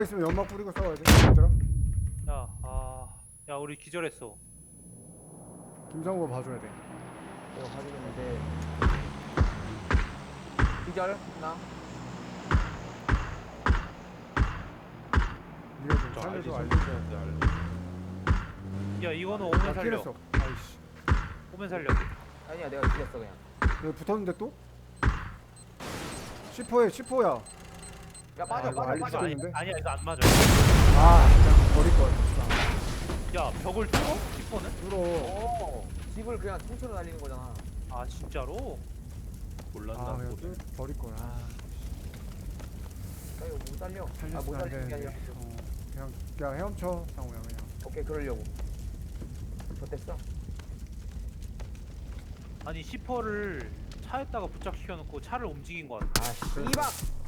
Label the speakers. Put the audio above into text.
Speaker 1: 있으면 연막 뿌리고 싸워야 돼. 얘들아.
Speaker 2: 야, 우리 기절했어.
Speaker 1: 김상우가 봐줘야 돼.
Speaker 3: 내가 봐주겠는데 기절 나
Speaker 1: 네가 좀 살려줘 알려.
Speaker 2: 야, 이거는
Speaker 1: 나
Speaker 2: 오면 살려.
Speaker 1: 킬했어. 아이씨.
Speaker 2: 오면 살려.
Speaker 3: 아니야 내가 이겼어 그냥.
Speaker 1: 여기 붙었는데 또? 10호야.
Speaker 3: 야 빠져
Speaker 1: 이거
Speaker 3: 빠져
Speaker 1: 알리
Speaker 3: 빠져.
Speaker 1: 찍었는데?
Speaker 2: 아니야, 이거 안 맞아.
Speaker 1: 아 진짜 버릴 걸.
Speaker 2: 야, 벽을 뚫어? 10번은?
Speaker 1: 뚫어.
Speaker 3: 오 집을 그냥 통째로 날리는 거잖아.
Speaker 2: 아, 진짜로?
Speaker 1: 아 그냥 버릴 걸. 아
Speaker 3: 나 이거 못 살려. 못
Speaker 1: 살렸으면 안
Speaker 3: 살리는 게 아니라.
Speaker 1: 되는데. 그냥 헤엄쳐 상우야 그냥.
Speaker 3: 오케이 그러려고. 좋댔어.
Speaker 2: 아니, 10호를 차에다가 부착시켜놓고 차를 움직인 거 같아.
Speaker 3: 아 씨발.